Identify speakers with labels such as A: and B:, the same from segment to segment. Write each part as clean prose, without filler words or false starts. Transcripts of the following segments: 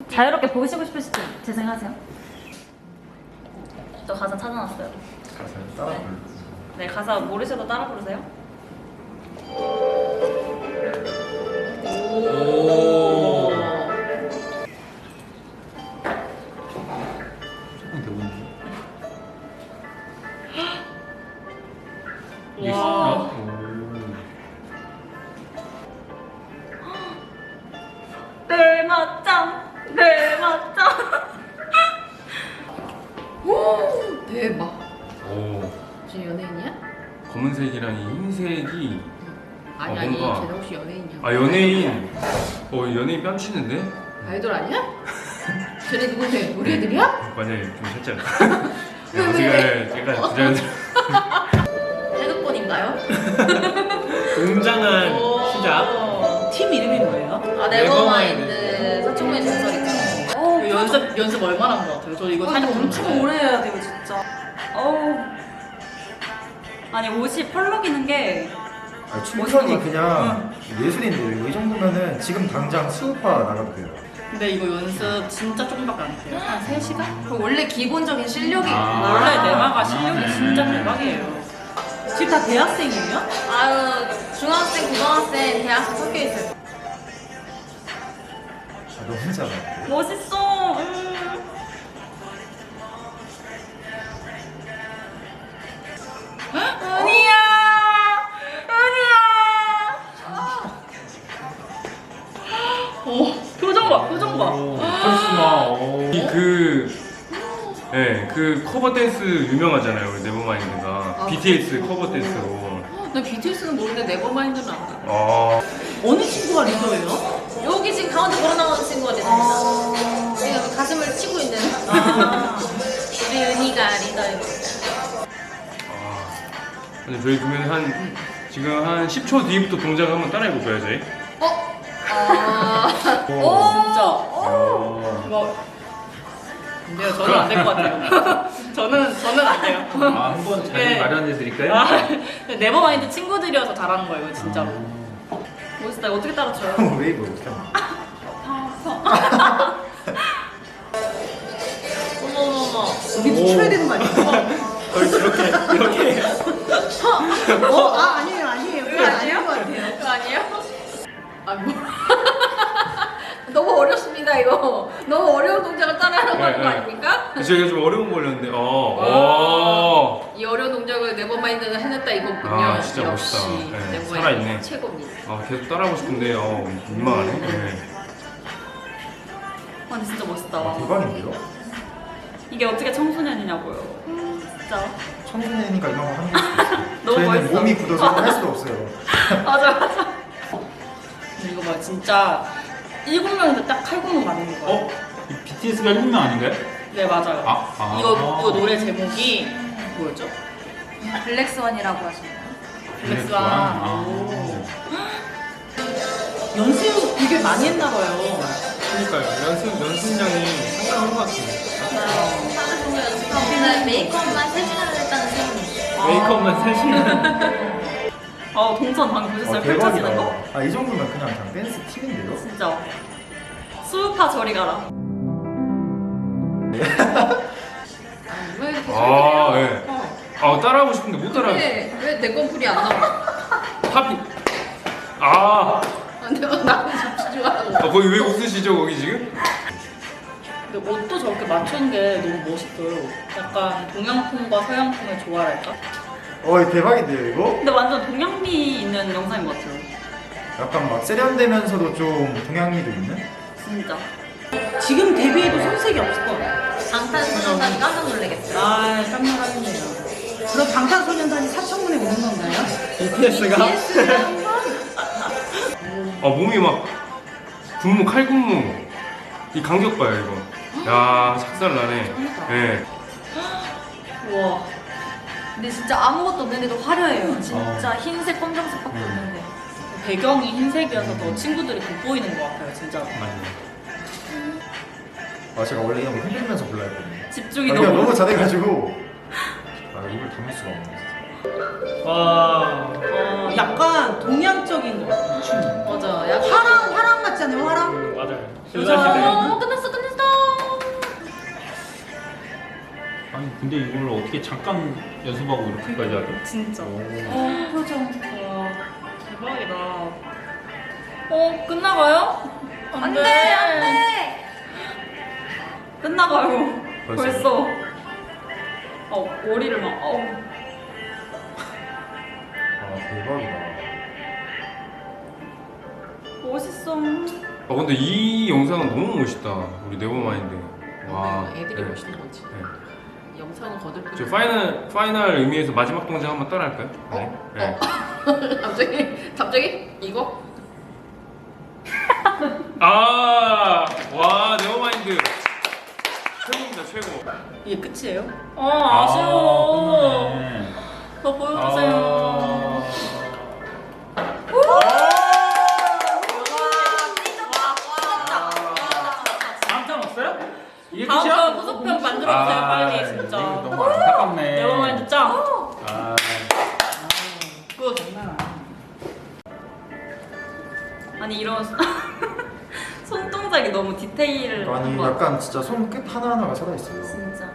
A: 자유롭게 보시고 싶으실 때 재생하세요. 저 가사 찾아놨어요.
B: 가사 따라 불러.
A: 네, 가사 모르셔도 따라 부르세요.
C: 오.
B: 조금 대본데.
C: 와.
A: 내 맞짱, 내 맞짱.
D: 대박.
B: 오.
D: 지금 연예인이야?
B: 검은색이랑 이 흰색이
D: 아니
B: 아,
D: 아니
B: 뭔가-
D: 쟤네 혹시 연예인이야?
B: 아 연예인. 연예인 뺨치는데?
D: 아이돌 아니야? 쟤네 누군데? 우리 애들이야?
B: 맞아요. 좀 살짝. 제가 부자연스러워.
D: 태극권인가요?
C: 웅장한
D: 오.
C: 시작. 팀 이름이 뭐예요?
D: 아 네버마인드 서충의 전설이죠. 연습 얼마나 한 것 같아요? 저 이거 살짝
A: 엄청
D: 궁금해.
A: 오래 해야 돼요, 진짜. 어우. 아니, 옷이 펄럭이는 게.
E: 아, 춤선이 그냥 예술인데요. 이 정도면은 지금 당장 수우파 나가도 돼요.
D: 근데 이거 연습 진짜 조금밖에 안 했어요. 한 3시간?
A: 그 원래 기본적인 실력이
B: 아.
A: 원래 내마가 실력이 진짜 대박이에요.
C: 지금 다 대학생이에요?
D: 아유 중학생, 고등학생, 대학생 섞여 있어요.
E: 아, 너 혼자 봐.
A: 멋있어. 은희야, 은희야. 오, 표정 봐, 표정 봐.
B: 카리스마. 그 커버 댄스 유명하잖아요. 우리 네버마인드가.
D: 아,
B: BTS 커버 댄스로.
D: 나 BTS는 모르는데 네버마인드는 알아.
B: 아.
C: 어느 친구가 리더예요?
D: 여기 지금 가운데 걸어 나오는 친구가 리더입니다. 지금 가슴을 치고 있는 우리 은희가 리더입니다.
B: 근데 저희 그러면 지금 한 10초 뒤부터 동작을 한번 따라해 볼까요, 저희?
D: 진짜.
B: 어.
D: 이거 근데요, 저는 안 될 것 같아요. 저는 안 돼요.
B: 한번 자리
D: 네.
B: 마련해 드릴까요?
D: 아, 네버마인드 친구들이어서 잘하는 거예요, 이거 진짜로.
A: 멋있다. 이거 어떻게 따라쳐요?
E: 웨이브 어떻게 하나?
D: 어머머머.
C: 여기 춰야 되는 거 아니에요?
B: 이렇게.
C: 아니에요, 아니에요. 그거 아닌 것 같아요.
D: 그거 아니에요? 아, 뭐. 너무 어렵습니다, 이거. 너무 어려운 동작을 따라하라고 하는 거 아닙니까?
B: 저희가 좀 어려운 거 올렸는데,
D: 이 어려운 동작을 네버마인드는 해냈다 이거군요.
B: 아, 진짜
D: 역시
B: 멋있다. 네,
D: 네버마인드
B: 살아있네.
D: 최고입니다.
B: 계속 따라하고 싶은데, 민망하네. 네.
A: 와, 근데 진짜 멋있다.
E: 아, 대박인데요?
A: 이게 어떻게 청소년이냐고요. 진짜.
E: 청소년이니까 이런 거 하는 걸 수도 있어요.
A: 너무
E: 저희는
A: 멋있어.
E: 몸이 굳어서 할 수도 없어요.
A: 맞아, 맞아.
D: 근데 이거 봐, 진짜 7명인데 딱 칼군무 맞는 거예요.
F: 이 BTS가 1명 아닌가요?
D: 네, 맞아요. 이거 노래 제목이 뭐였죠?
A: 블랙스완이라고 하시네요.
D: 블랙스완.
C: 연습 되게 많이 했나 봐요.
B: 그러니까요. 연습량이 상당한 것 같아요.
D: 맞아요. 하루 종일 연습하고 오늘 메이크업만 3시간을 했다는 소문이.
B: 메이크업만 3시간.
A: 동선 방금 보셨어요? 펼쳐지는 거?
E: 아, 이 정도면 그냥 댄스 팀인데요?
A: 진짜. 수우파 저리 가라.
D: 왜 이렇게
B: 아,
D: 소리해요?
B: 네. 따라하고 싶은데 못 따라하겠어.
D: 왜내 건풀이 안 나와?
B: 팝이.
D: 근데 나는 집중하고.
B: 거기 왜 웃으시죠, 거기 지금?
D: 근데 옷도 저렇게 맞춘 게 너무 멋있어요. 약간 동양풍과 서양풍의 조화랄까?
E: 대박인데요, 이거?
A: 근데 완전 동양미 있는 영상인 것 같아요.
E: 약간 막 세련되면서도 좀 동양미도 있는?
A: 진짜.
C: 지금 데뷔해도 손색이 없을 것 같아요.
D: 방탄소년단이 깜짝 놀라겠어요.
C: 아, 깜놀하겠네요. 그럼 방탄소년단이 사천문에 오는 건가요?
B: BTS가? 몸이 막 칼군무. 이 간격 봐요, 이거. 야, 작살 나네. 네.
D: 우와.
A: 근데 진짜 아무것도 없는데도 화려해요. 진짜 흰색, 검정색밖에 없는데.
D: 배경이 흰색이어서 더 친구들이 돋보이는 것 같아요, 진짜로.
E: 제가 원래 이런 거 흔들면서 불러야 했거든요.
A: 집중이
E: 그냥
A: 너무.
E: 너무 잘해가지고 입을 담을 수가 없네.
C: 와. 약간 동양적인 것 같아요. 춤이.
D: 맞아. 약간
C: 화랑 같지 않아요? 화랑?
B: 맞아요.
C: 여자
D: 끝났어.
F: 근데 이걸 어떻게 잠깐 연습하고 이렇게까지 하죠?
A: 진짜.
F: 오.
A: 표정. 와, 대박이다. 끝나가요? 안 돼, 안 돼! 끝나가요.
E: 벌써?
A: 머리를 막,
E: 아 대박이다.
A: 멋있어.
B: 근데 이 영상은 너무 멋있다. 우리 네버마인드. 와.
C: 애들이
B: 네.
C: 멋있는 거지.
B: 네.
C: 영상은 거들뿐.
B: 저 파이널 의미에서 마지막 동작 한번 따라 할까요? 네.
C: 갑자기 이거?
B: 와, 네버마인드. 최고입니다, 최고.
C: 이게 끝이에요?
A: 아쉬워.
F: 끝나네.
A: 더 보여주세요.
F: 다음 편 없어요? 이게
A: 다음
F: 끝이야?
A: 편 후속편 만들어주세요, 빨리,
F: 이거
A: 진짜.
F: 너무 안타깝네.
A: 네버마인드 짱.
F: 아,
A: 굿.
C: 장난 아니야.
A: 아니, 이런 손동작이 너무 디테일한
E: 아니
A: 것 같아.
E: 약간 진짜 손끝 하나하나가 살아있어요.
A: 진짜.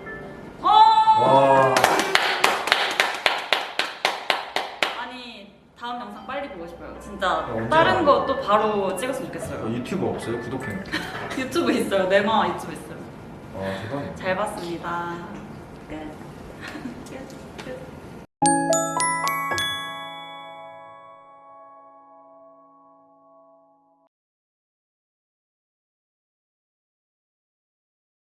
E: 와.
A: 아니, 다음 영상 빨리 보고 싶어요. 진짜
E: 언제
A: 다른
E: 나와요?
A: 거 또 바로 찍었으면 좋겠어요.
E: 유튜브 없어요? 구독해.
A: 유튜브 있어요. 네마 유튜브 있어요.
E: 아 대박이다.
A: 잘 봤습니다. 끝. 끝.